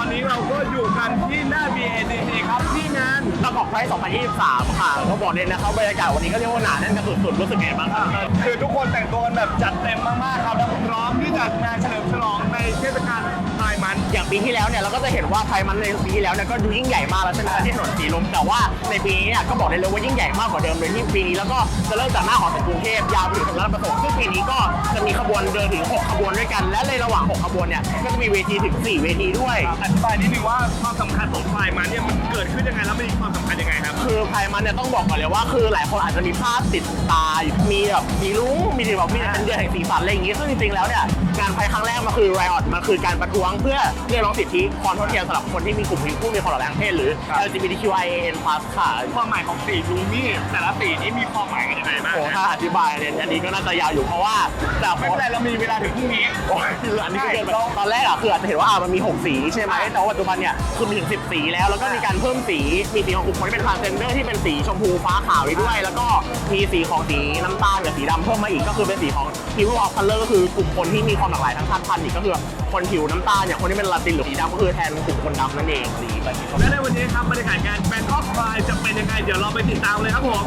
นี้เราก็อยู่กันที่หน้า BADC ครับที่งานบางกอกไพร์2023 ค่ะก็บอกเลยนะครับบรรยากาศวันนี้ก็เรียกว่าหนาแน่นกันสุดๆรู้สึกไงบ้างครับคือทุกคนแต่งตัวกันแบบจัดเต็มมากๆครับและพร้อมที่จะงานเฉลิมฉลองในเทศกาลไทยมันอย่างปีที่แล้วเนี่ยเราก็จะเห็นว่าไทยมันในปีที่แล้วเนี่ยก็ดูยิ่งใหญ่มากแล้วใช่ไหมที่ถนนสีลมแต่ว่าในปีนี้เนี่ยก็บอกได้เลยว่ายิ่งใหญ่มากกว่าเดิมเลยที่ปีนี้แล้วก็จะเริ่มจากหน้าหอศิลป์กรุงเทพยาวไปถึงราชประสงค์ซึ่งปีนี้ก็จะมีขบวนเดินถึง6ขบวนด้วยกันและในระหว่าง6ขบวนเนี่ยก็จะมีเวทีถึง4เวทีด้วยอธิบายนิดนึงว่าความสำคัญของไทยมันเนี่ยมันเกิดขึ้นยังไงแล้วมันมีความสำคัญยังไงครับคือไพร์มันเนี่ยต้องบอกก่อนเลยว่าคือหลายคนอาจจะมีภาพติดตามีแบบมีลุ้งมีแบบมีเป็นเดือนแห่งสีสันอะไรอย่างงี้ซึ่งจริงๆแล้วเนี่ยงานไพร์ครั้งแรกมันคือ Riot มันคือการประท้วงเพื่อเรียกร้องสิทธิความเท่าเทียมสำหรับคนที่มีกลุ่มผู้มีความหลากหลายทางเพศหรือ LGBTQIAN+ ค่ะความหมายของสีลุงนี่แต่ละสีนี้มีความหมายกันยังไงบ้างโอ้ถ้าอธิบายเนี่ยอันนี้ก็น่าจะยาวอยู่เพราะว่าจากไม่เป็นไรเรามีเวลาถึงพรุ่งนี้โอ้ยคืออันนี้ก็เกินไปตอนแรกอะคืออาจจะเห็นว่ามันมี6สีใช่ไหมแต่ว่าปัจจุบันเนี่ยคือมีถึง10สีแล้วแล้วก็มีการเพิ่มสีมีสีของกลุ่มคนที่เป็นทรานส์เจนเดอร์ที่เป็นสีชมพูฟ้าขาวอีกด้วยแล้วก็มีสีของสีน้ำตาลกับสีดำเพิ่มมาอีกก็คือเป็นสีของ People of Color ก็คือกลุ่มคนที่มีความหลากหลายทางชาติพันธุ์อีกก็คือคนผิวน้ำตาลเนี่ยคนที่เป็นลาตินหรือสีดำก็คือแทนกลุ่มคนดำนั่นเองสีแบบนี้และในวันนี้ครับบรรยากาศงาน Bangkok Pride จะเป็นยังไงเดี๋ยวเราไปติดตามเลยครับผม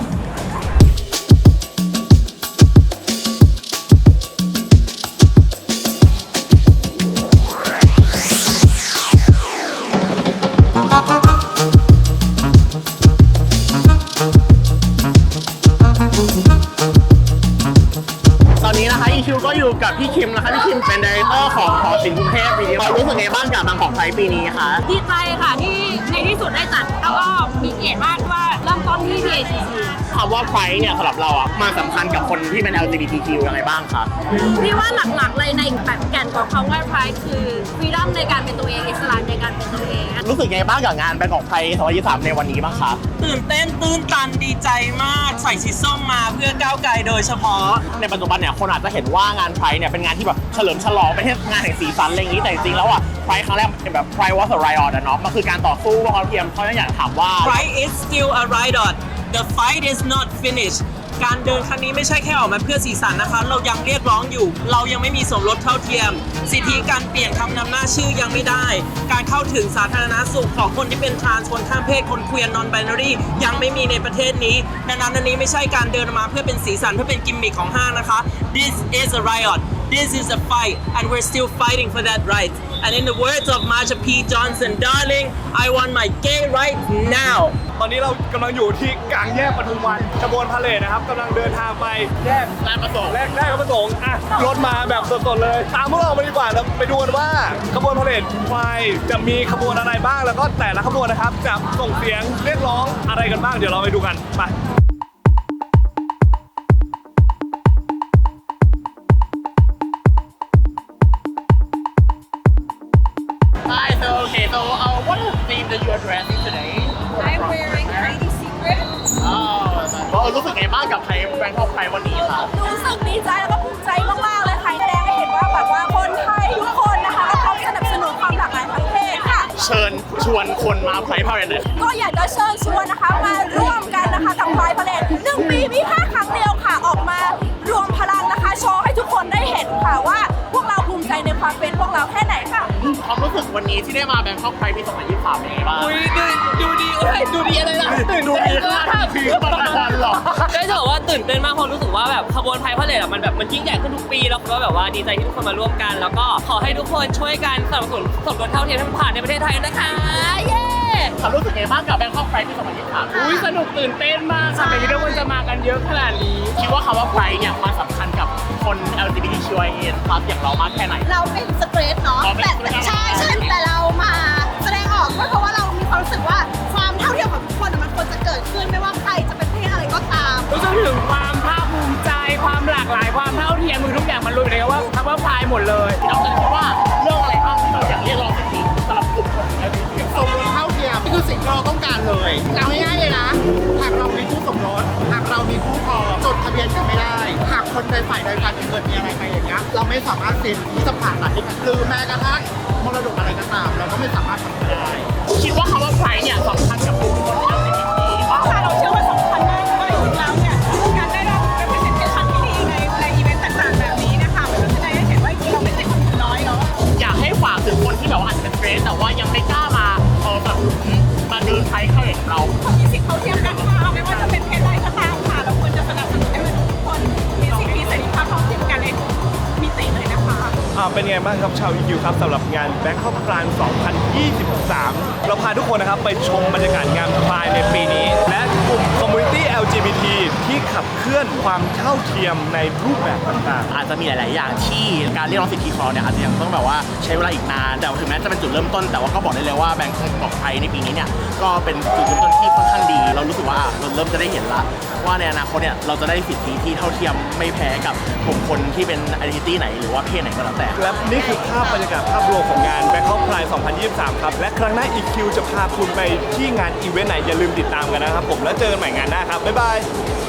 ตอนนี้นะคะอีคิวก็อยู่กับพี่คิมนะคะพี่คิมเป็นไดเรคเตอร์ของหอศิลป์กรุงเทพปีนี้เรารู้สึกไงบ้างกับบางกอกไพร์ปีนี้คะดีใจค่ะที่ในที่สุดได้จัดแล้วก็มีเกียรติมากว่าเริ่มต้นที่ BADC คำว่าไพร์เนี่ยสำหรับเราอ่ะมาสำคัญกับคนที่เป็น LGBTQ ยังไงบ้างคะพี่ว่าหลักๆเลยในแบบแก่นของคำว่า Pride คือฟรีดัมในการเป็นตัวเองอิสระในการเป็นตัวเองรู้สึกไงบ้างกับงานบางกอกไพร์2023ในวันนี้บ้างคะตื่นเต้นตื้นตันดีใจมากใส่สีส้มมาเพื่อก้าวไกลโดยเฉพาะในปัจจุบันเนี่ยคนอาจจะเห็นว่างานไพร์เนี่ยเป็นงานที่แบบเฉลิมฉลองเป็นงานแห่งสีสันอะไรอย่างนี้แต่จริงๆแล้วอ่ะไพร์ครั้งแรกเป็นแบบ Pride was a riot อะเนาะมันคือการต่อสู้ว่าความเทียมเขาอยากถามว่า Pride is still a riot the fight is not finished การเดินครั้งนี้ไม่ใช่แค่ออกมาเพื่อสีสันนะคะเรายังเรียกร้องอยู่เรายังไม่มีสมรสเท่าเทียมสิทธิการเปลี่ยนคำนำหน้าชื่อยังไม่ได้การเข้าถึงสาธารณสุขของคนที่เป็นทรานส์คนข้ามเพศคนเควียร์นอนไบนารียังไม่มีในประเทศนี้ดังนั้นอันนี้ไม่ใช่การเดินมาเพื่อเป็นสีสันเพื่อเป็นกิมมิคของห้างนะคะ This is a riot This is a fight and we're still fighting for that right and in the words of Marsha P. Johnson darling I want my gay right now ตอนนี้เรากำลังอยู่ที่กลางแยกปทุมวันขบวนพาเหรดนะครับกำลังเดินทางไปแยกราชประสงค์แรกประสงค์อ่ะรถมาแบบสดๆเลยตามพวกเราไปดีกว่าแล้วไปดูกันว่าขบวนพาเหรดไฟจะมีขบวนอะไรบ้างแล้วก็แต่ละขบวนนะครับจะส่งเสียงเรียกร้องอะไรกันบ้างเดี๋ยวเราไปดูกันไป Hi, so okay, so what is the theme that you are dressing today? I'm wearing Heidi Secret รู้สึกไงบ้างกับไทยแบงคอกไพร์วันนี้คะรู้สึกดีใจแล้วก็ภูมิใจมากๆเลยค่ะแสดงให้เห็นว่าแบบว่าคนไทยทุกคนนะคะก็พร้อมสนับสนุนความหลากหลายทางเพศค่ะเชิญชวนคนมาไพร์พาเหรดเลยก็อยากจะเชิญชวนนะคะมาร่วมกันนะคะกับ Pride Parade 1 ปีมีแค่ครั้งเดียวค่ะออกมารวมพลังนะคะโชว์ให้ทุกคนได้เห็นค่ะว่าพวกเราภูมิใจในความเป็นพวกเราแค่ไหนค่ะความรู้สึกวันนี้ที่ได้มาแบงคอกไพร์ปี2023เป็นไงบ้างอุ้ยดูดีดูดีอะไรล่ะดูดีค่ะคือมันทันหรอได้จะบอกว่าตื่นเต้นมากเพราะรู้สึกว่าแบบขบวนไพร์พาเหรดอะมันยิ่งใหญ่ขึ้นทุกปีแล้วก็แบบว่าดีใจที่ทุกคนมาร่วมกัน แล้วก็ขอให้ทุกคนช่วยกันสนับสนุนสมรสเท่าเทียมให้มันผ่านในประเทศไทยนะคะเย้ความรู้สึกไงบ้างกับแบงคอกไพร์ปี2023 อุ้ยสนุกตื่นเต้นมากค่ะไม่คิดว่าคนจะมากันเยอะขนาดนี้คิดว่าคำว่าไพร์เนี่ยมันสำคัญกับคน LGBTQIA+ อย่างเรามากแค่ไหนเราเป็นสเตรทเนาะอ๋อเป็นแต่ straight ใช่แต่เรามาแสดงออกเพราะว่าเรามีความรู้สึกว่าความเท่าเทียมของทุกคนมันควรจะเกิดขึ้นไม่ว่าใครจะเป็นเพศอะไรก็ตามรู้สึกถึงความภาคภูมิใจความหลากหลายความเท่าเทียมคือทุกอย่างมันรวมอยู่ในคำว่าพายหมดเลยเราจะคิดว่าเรื่องอะไรบ้างที่เราอยากเรียกร้องสิทธิสำหรับกลุ่มคน LGBT สมรสเท่าเทียมนี่คือสิ่งที่เราต้องการเลยเอาง่ายๆเลยนะหากเรามีคู่สมรสหากเรามีคู่ครองจดทะเบียนกันไม่ได้หากคนใดฝ่ายใดฝ่ายหนึ่งเกิดมีอะไรไปอย่างเงี้ยเราไม่สามารถเซ็นที่จะผ่านหลักที่กันหรือแม้กระทั่งมรดกอะไรก็ตามเราก็ไม่สามารถทำได้คิดว่าคำว่าไพร์เนี่ยสำคัญกับกลุ่มคน LGBT มากค่ะเราเชื่อว่าสำคัญมากเพราะจริงๆแล้วเนี่ยการได้รับ representation ที่ดีในอีเวนต์ต่างๆแบบนี้นะคะมันก็จะได้เห็นว่าจริงๆเราไม่ใช่คนน้อยเนาะอยากให้ฝากถึงคนที่แบบว่าอาจจะเป็นเฟรนแต่ว่ายังไม่กล้าเป็นไงบ้างครับชาว EQ ครับสำหรับงาน Bangkok Pride 2023 เราพาทุกคนนะครับไปชมบรรยากาศงาน Pride ในปีนี้ และกลุ่ม Community LGBT ที่ขับเคลื่อนความเท่าเทียมในรูปแบบต่างๆอาจจะมีหลาย ๆ อย่างที่การเรียกร้องสิทธิของเราเนี่ยอาจจะยังต้องแบบว่าใช้เวลาอีกนานแต่ถึงแม้จะเป็นจุดเริ่มต้นแต่ว่าก็บอกได้เลยว่าแบงค์ของไทยในปีนี้เนี่ยก็เป็นจุดเริ่มต้นที่ค่อนข้างดี เรารู้สึกว่าเราเริ่มจะได้เห็นละว่าในอนาคตเนี่ยเราจะได้สิทธิที่เท่าเทียมไม่แพ้กับกลุ่มคนที่เป็น identity ไหนหรือว่าเพศไหนก็แล้วแต่และนี่คือภาพบรรยากาศภาพรวมของงาน Bangkok Pride 2023 ครับ และครั้งหน้า EQ จะพาคุณไปที่งานอีเวนต์ไหนอย่าลืมติดตามกันนะครับผมแล้วเจอกันใหม่งานหน้าครับบ๊ายบาย